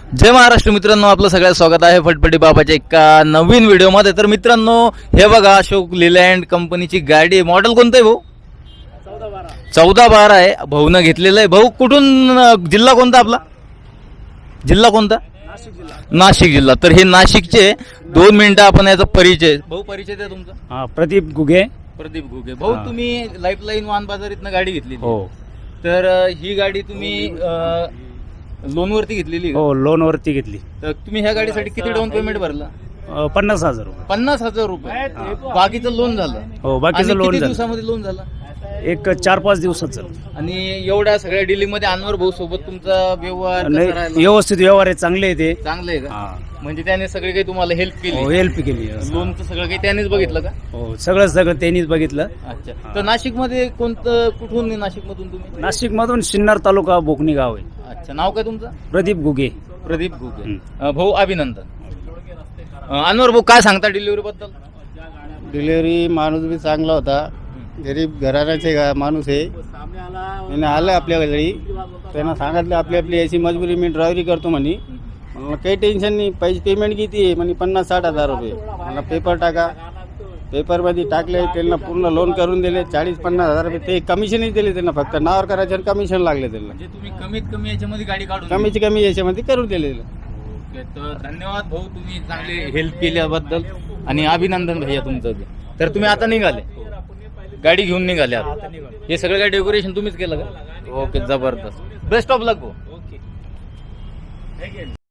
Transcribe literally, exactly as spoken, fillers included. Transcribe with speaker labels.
Speaker 1: जय महाराष्ट्र मित्रांनो, आपलं सगळ्यात स्वागत आहे फटफटी बाबाच्या एका नवीन व्हिडिओमध्ये। तर मित्रांनो, हे बघा अशोक लेलँड कंपनीची गाडी, मॉडेल कोणतं आहे भाऊ? चौदा बारा आहे। भाऊनं घेतलेलं आहे। भाऊ कुठून, जिल्हा कोणता आपला? जिल्हा कोणता?
Speaker 2: नाशिक जिल्हा।
Speaker 1: नाशिक जिल्हा। तर हे नाशिकचे दोन मिनिटं आपण याचा परिचय, भाऊ परिचय द्या तुमचा।
Speaker 2: हा, प्रदीप गुगे।
Speaker 1: प्रदीप घुगे। भाऊ
Speaker 2: हा.
Speaker 1: तुम्ही लाईफलाईन वाहन बाजारीतनं गाडी घेतली
Speaker 2: हो
Speaker 1: तर अ, ही गाडी तुम्ही लोन वरती घेतलेली का?
Speaker 2: हो, लोन वरती घेतली।
Speaker 1: तर तुम्ही ह्या गाडीसाठी किती डाऊन पेमेंट भरला?
Speaker 2: अ, पन्नास हजार रुपये।
Speaker 1: पन्नास हजार रुपये। बाकीचं लोन झालं?
Speaker 2: हो, बाकीचं
Speaker 1: आणि
Speaker 2: लोन
Speaker 1: किती
Speaker 2: झालं
Speaker 1: दिवसामध्ये लोन झालं?
Speaker 2: एक चार पाच दिवसात झालं।
Speaker 1: आणि एवढ्या सगळ्या डीलिंग मध्ये अनवर भाऊ सोबत तुमचा व्यवहार कसा
Speaker 2: नाही,
Speaker 1: राहिला?
Speaker 2: व्यवस्थित व्यवहार आहे, चांगले आहे ते।
Speaker 1: चांगलं आहे का?
Speaker 2: हा,
Speaker 1: म्हणजे त्याने सगळे काही तुम्हाला हेल्प
Speaker 2: हो,
Speaker 1: केली?
Speaker 2: हेल्प केली।
Speaker 1: लोनचं सगळं काही त्यानेच बघितलं का?
Speaker 2: हो, सगळं सगळं त्यांनीच बघितलं।
Speaker 1: अच्छा। तर नाशिक मध्ये कोणतं, कुठून नाशिक मधून तुम्ही?
Speaker 2: नाशिक मधून सिन्नर तालुका बोकणी गाव आहे।
Speaker 1: अच्छा, नाव काय तुमचं?
Speaker 2: प्रदीप गुगे।
Speaker 1: प्रदीप घुगे।
Speaker 2: हम्म.
Speaker 1: अ, भाऊ अभिनंदन। अ, अनवर भाऊ काय सांगता डिलिव्हरी बद्दल?
Speaker 3: डिलिव्हरी माणूस बी चांगला होता, गरीब घराण्याचे गा- माणूस आहे। त्याने आलं आपल्या घरी, त्यांना सांगितलं आपली आपली याची मजबुरी, मी ड्रायव्हरी करतो म्हणे। मला काही टेन्शन नाही, पैसे पेमेंट किती आहे म्हणे? पन्नास साठ हजार रुपये। मला पेपर टाका, पेपरमध्ये टाकले, त्यांना पूर्ण लोन करून दिले, चाळीस पन्नास हजार रुपये ते कमिशनही दिले त्यांना, फक्त नावावर करायचे आणि कमिशन लागले त्यांना,
Speaker 1: म्हणजे तुम्ही कमीत कमी याच्यामध्ये गाडी काढून
Speaker 3: कमीची कमी याच्यामध्ये करून दिले।
Speaker 1: ओके, तर धन्यवाद भाऊ, तुम्ही चांगले हेल्प केल्याबद्दल आणि अभिनंदन भैया तुमचं बी। तर तुम्ही आता निघाले, गाडी घेऊन निघाले आता? हे सगळं काय डेकोरेशन तुम्हीच केलं का? ओके, जबरदस्त। बेस्ट ऑफ लक भाऊ।